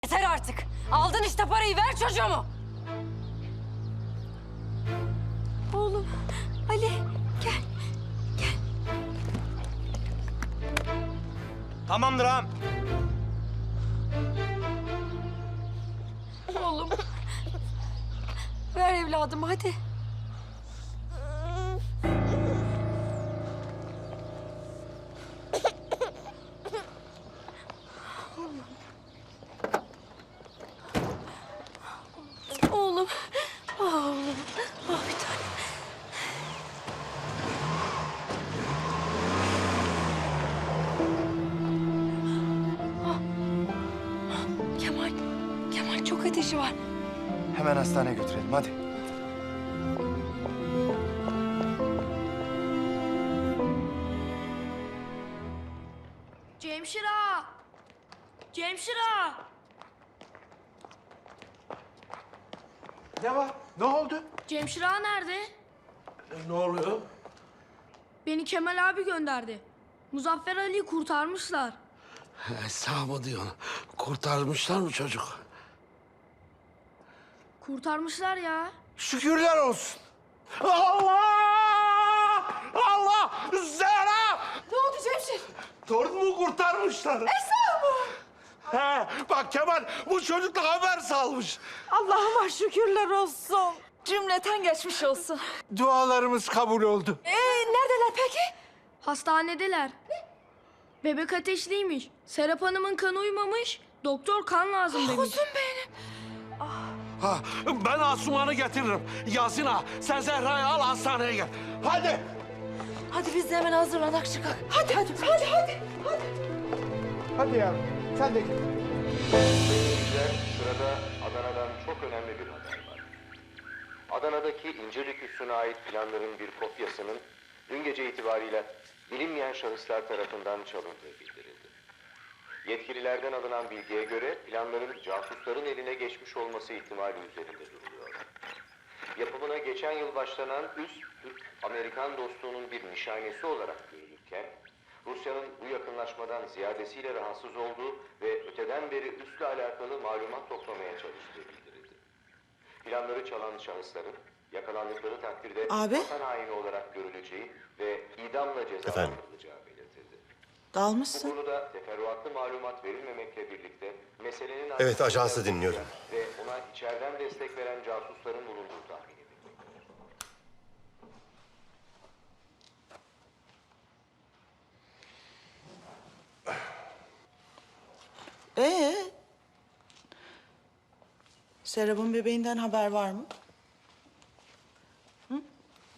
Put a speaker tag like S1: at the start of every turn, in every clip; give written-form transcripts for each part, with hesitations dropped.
S1: Yeter artık. Aldın işte parayı, ver çocuğumu. Oğlum, Ali gel.
S2: Tamamdır ağam.
S1: Oğlum. Ver evladım hadi. Oğlum. Ah oğlum. Ah bir tane. Kemal. Kemal çok ateşi var.
S2: Hemen hastaneye götürelim hadi.
S3: Cemşira! Cemşira!
S4: Ne var? Ne oldu?
S3: Cemşira nerede?
S4: Ne oluyor?
S3: Beni Kemal abi gönderdi. Muzaffer Ali'yi kurtarmışlar.
S4: Sağ mı diyorsun? Kurtarmışlar mı çocuk?
S3: Kurtarmışlar ya.
S4: Şükürler olsun. Allah! Allah! Zehra!
S1: Ne oldu Cemşir?
S4: Torunumu kurtarmışlar.
S1: Esra mı?
S4: He, bak Kemal bu çocuk da haber salmış.
S5: Allah'ıma şükürler olsun. Cümleten geçmiş olsun.
S4: Dualarımız kabul oldu.
S5: Neredeler peki?
S3: Hastanedeler. Bebek ateşliymiş. Serap Hanım'ın kanı uymamış. Doktor kan lazım demiş.
S5: Kuzum benim.
S4: Ha, ben Asuman'ı getiririm. Yasin ağa, sen Zehra'yı al hastaneye gel. Hadi.
S5: Hadi biz de hemen hazırlanak çıkak. Hadi.
S4: Hadi ya, sen de git.
S6: Seyirciler, sırada Adana'dan çok önemli bir haber var. Adana'daki İncirlik Üssü'ne ait planların bir kopyasının dün gece itibariyle bilinmeyen şahıslar tarafından çalındığı bildirildi. Yetkililerden alınan bilgiye göre planların casusların eline geçmiş olması ihtimali üzerinde duruluyor. Yapımına geçen yıl başlanan üs, Türk-Amerikan dostluğunun bir nişanesi olarak görülürken, Rusya'nın bu yakınlaşmadan ziyadesiyle rahatsız olduğu ve öteden beri üsle alakalı malumat toplamaya çalıştığı bildirildi. Planları çalan şahısların yakalandıkları takdirde
S5: Abi?
S6: vatan haini olarak görüleceği ve idamla cezalandırılacağı belirtildi. Bu
S5: Dalmışsın.
S6: konuda teferruatlı malumat verilmemekle birlikte meselenin...
S7: Evet, ajansı dinliyorum.
S6: ...ve ona içeriden destek veren casusların bulunduğu tahmin edilmektedir.
S5: Serap'ın bebeğinden haber var mı? Hı?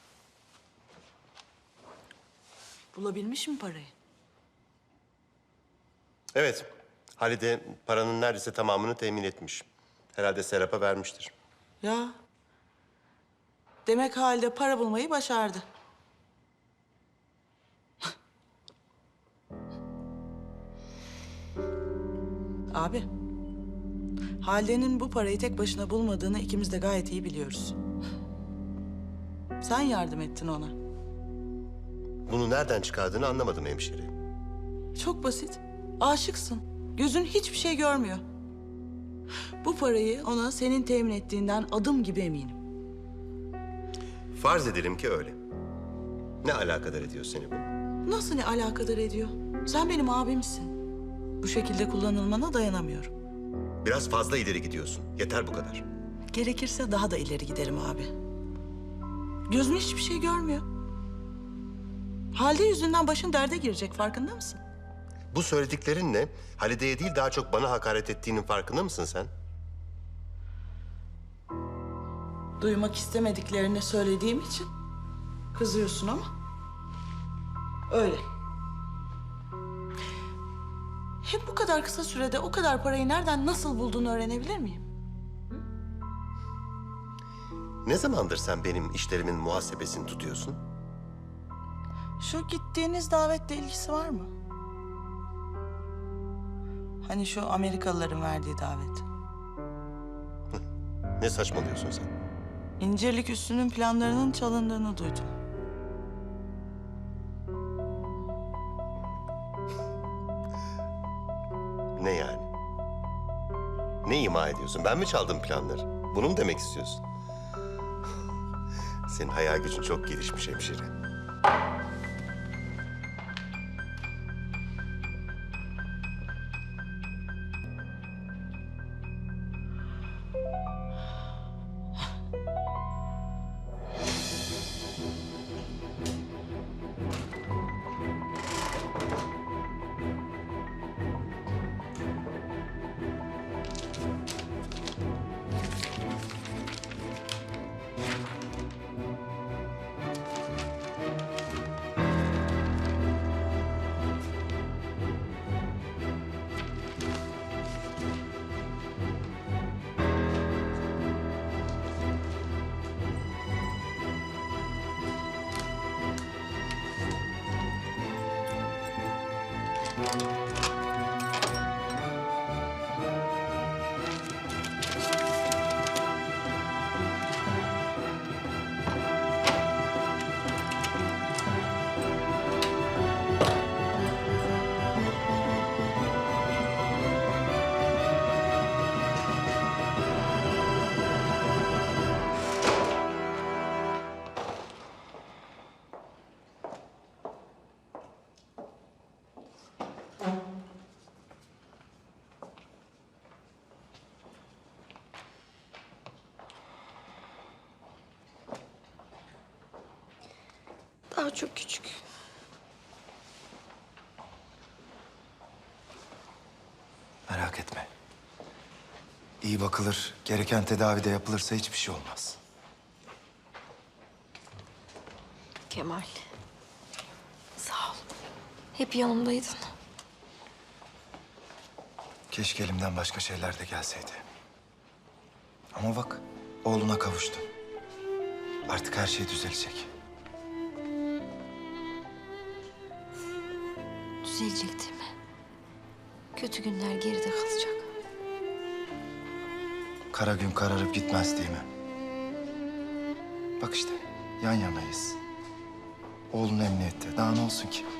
S5: Bulabilmiş mi parayı?
S7: Evet, Halide paranın neredeyse tamamını temin etmiş. Herhalde Serap'a vermiştir.
S5: Ya. Demek halde para bulmayı başardı. Abi. Halide'nin bu parayı tek başına bulmadığını ikimiz de gayet iyi biliyoruz. Sen yardım ettin ona.
S7: Bunu nereden çıkardığını anlamadım hemşire.
S5: Çok basit. Aşıksın. Gözün hiçbir şey görmüyor. Bu parayı ona senin temin ettiğinden adım gibi eminim.
S7: Farz edelim ki öyle. Ne alakadar ediyor seni bu?
S5: Nasıl ne alakadar ediyor? Sen benim abimsin. Bu şekilde kullanılmana dayanamıyorum.
S7: Biraz fazla ileri gidiyorsun. Yeter bu kadar.
S5: Gerekirse daha da ileri giderim abi. Gözün hiçbir şey görmüyor. Halde yüzünden başın derde girecek, farkında mısın?
S7: Bu söylediklerinle Halide'ye değil daha çok bana hakaret ettiğinin farkında mısın sen?
S5: Duymak istemediklerini söylediğim için kızıyorsun ama öyle. Hep bu kadar kısa sürede o kadar parayı nereden nasıl bulduğunu öğrenebilir miyim?
S7: Ne zamandır sen benim işlerimin muhasebesini tutuyorsun?
S5: Şu gittiğiniz davetle ilgisi var mı? Hani şu Amerikalıların verdiği davet.
S7: Ne saçmalıyorsun sen?
S5: İncirlik Üssü'nün planlarının çalındığını duydum.
S7: Ne yani? Ne ima ediyorsun? Ben mi çaldım planları? Bunu mu demek istiyorsun? Senin hayal gücün çok gelişmiş hemşire.
S1: Daha çok küçük.
S2: Merak etme. İyi bakılır, gereken tedavi de yapılırsa hiçbir şey olmaz.
S1: Kemal. Sağ ol. Hep yanımdaydın.
S2: Keşke elimden başka şeyler de gelseydi. Ama bak, oğluna kavuştun. Artık her şey düzelecek.
S1: Düzelecek değil mi? Kötü günler geride kalacak.
S2: Kara gün kararıp gitmez değil mi? Bak işte, yan yanayız. Oğlun emniyette, daha ne olsun ki?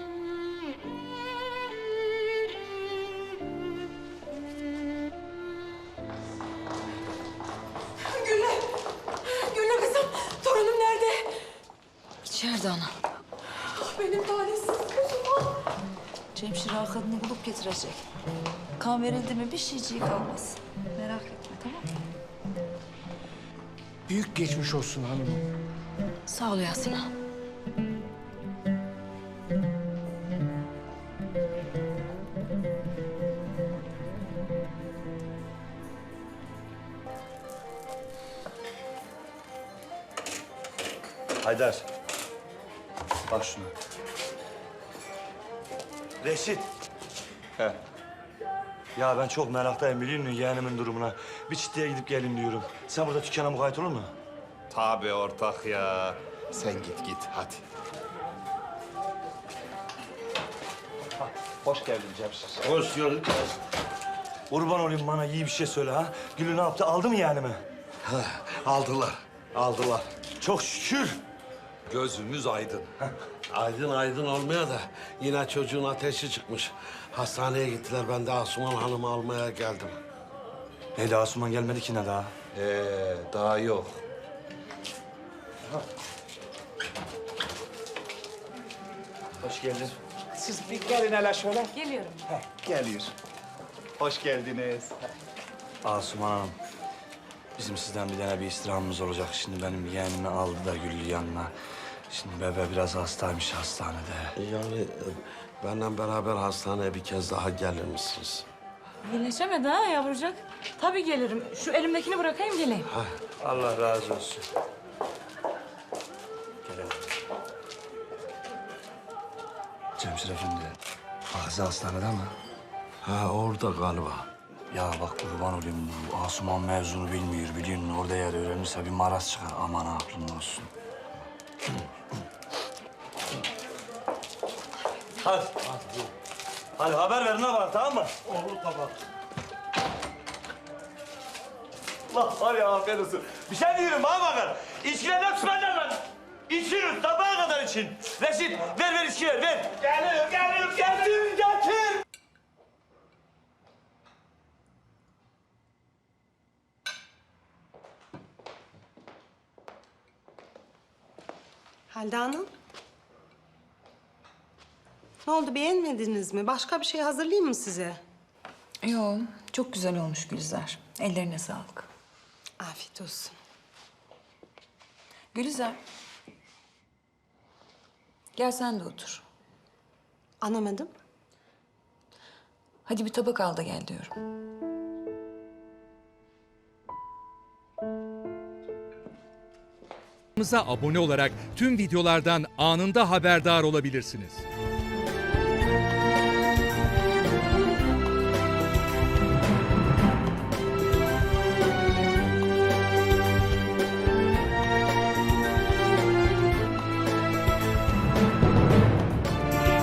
S1: Gülle kızım, torunum nerede? İçeride ana. Benim talihsiz kızım.
S8: Cemşire kadını bulup getirecek. Kan verildi mi bir şeyciği kalmaz. Merak etme, tamam mı?
S9: Büyük geçmiş olsun hanımım.
S1: Sağ ol Yasin ağa.
S10: Haydar. Bak şuna. Reşit. He. Ya ben çok meraktayım biliyor musun yeğenimin durumuna. Bir çiftliğe gidip gelin diyorum. Sen burada dükkana mukayyet olur mu?
S4: Tabii ortak ya. Sen git hadi.
S10: Hoş geldin Cemşir.
S4: Hoş gördük.
S10: Kurban olayım bana iyi bir şey söyle ha. Gülü ne yaptı aldı mı yeğenimi?
S4: Aldılar.
S10: Çok şükür.
S4: Gözümüz aydın. Aydın olmaya da yine çocuğun ateşi çıkmış. Hastaneye gittiler. Ben de Asuman Hanım'ı almaya geldim.
S10: Ne Asuman gelmedi ki ne daha?
S4: Daha yok.
S10: Hoş geldin.
S9: Siz bir gelin hele şöyle.
S8: Geliyorum.
S9: Geliyor. Hoş geldiniz.
S10: Asuman Hanım. Bizim sizden bir tane bir istirhamımız olacak. Şimdi benim yeğenimi aldı da Güllü yanına. Şimdi bebe biraz hastaymış hastanede.
S4: Yani benimle beraber hastaneye bir kez daha gelir misiniz?
S8: İyileşemedi ha yavrucak. Tabii gelirim. Şu elimdekini bırakayım geleyim.
S10: Allah razı olsun. Gelelim. Cemşir Efendi, Azize hastanede mi?
S4: Ha orada galiba.
S10: Ya bak kurban olayım bu Asuman mevzunu bilmiyor biliyor musun? Orada yer öğrenirse bir maraz çıkar. Aman aklında olsun. Hadi. Hadi haber verin ha bana tamam mı?
S4: Olur tamam.
S10: Allah var ya aferin olsun. Bir şey diyorum bana bakın. İçkilerden tutacağım ben. İçiyoruz sabaha kadar için. Reşit ver içkiler ver. Geliyorum getir.
S11: Halide Hanım. Ne oldu, beğenmediniz mi? Başka bir şey hazırlayayım mı size?
S8: Yo, çok güzel olmuş Gülizar. Ellerine sağlık.
S11: Afiyet olsun.
S8: Gülizar. Gel sen de otur.
S11: Anlamadım.
S8: Hadi bir tabak al da gel diyorum.
S12: Kanalımıza abone olarak tüm videolardan anında haberdar olabilirsiniz.